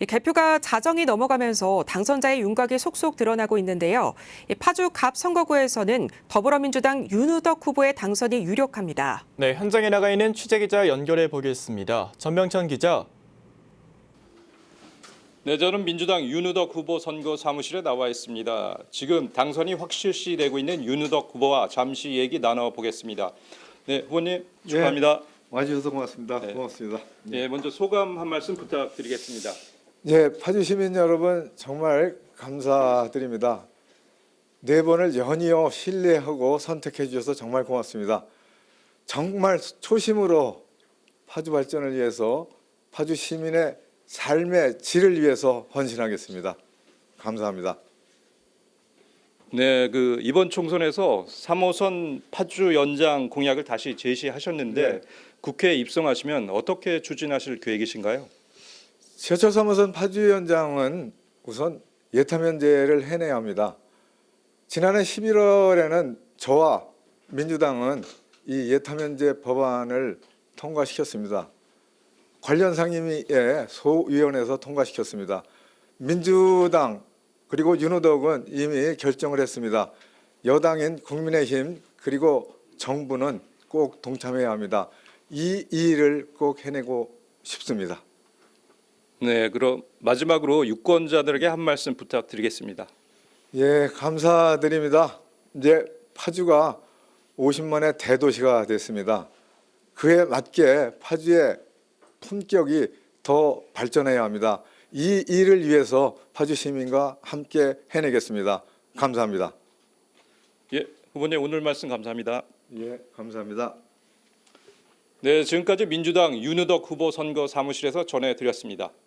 이 개표가 자정이 넘어가면서 당선자의 윤곽이 속속 드러나고 있는데요. 이 파주 갑 선거구에서는 더불어민주당 윤우덕 후보의 당선이 유력합니다. 네, 현장에 나가 있는 취재기자 연결해 보겠습니다. 전명천 기자. 네, 저는 민주당 윤우덕 후보 선거 사무실에 나와 있습니다. 지금 당선이 확실시되고 있는 윤우덕 후보와 잠시 얘기 나눠보겠습니다. 네, 후보님 축하합니다. 와주셔서 고맙습니다. 네. 고맙습니다. 네, 먼저 소감 한 말씀 부탁드리겠습니다. 예, 파주 시민 여러분 정말 감사드립니다. 네 번을 연이어 신뢰하고 선택해 주셔서 정말 고맙습니다. 정말 초심으로 파주 발전을 위해서 파주 시민의 삶의 질을 위해서 헌신하겠습니다. 감사합니다. 네, 이번 총선에서 3호선 파주 연장 공약을 다시 제시하셨는데 네. 국회에 입성하시면 어떻게 추진하실 계획이신가요? 지하철 3호선 파주 연장은 우선 예타면제를 해내야 합니다. 지난해 11월에는 저와 민주당은 이 예타면제 법안을 통과시켰습니다. 관련 상임위의 소위원회에서 통과시켰습니다. 민주당 그리고 윤호덕은 이미 결정을 했습니다. 여당인 국민의힘 그리고 정부는 꼭 동참해야 합니다. 이 일을 꼭 해내고 싶습니다. 네, 그럼 마지막으로 유권자들에게 한 말씀 부탁드리겠습니다. 예, 감사드립니다. 이제 파주가 50만의 대도시가 됐습니다. 그에 맞게 파주의 품격이 더 발전해야 합니다. 이 일을 위해서 파주 시민과 함께 해내겠습니다. 감사합니다. 예, 후보님 오늘 말씀 감사합니다. 예, 감사합니다. 네, 지금까지 민주당 윤우덕 후보 선거 사무실에서 전해드렸습니다.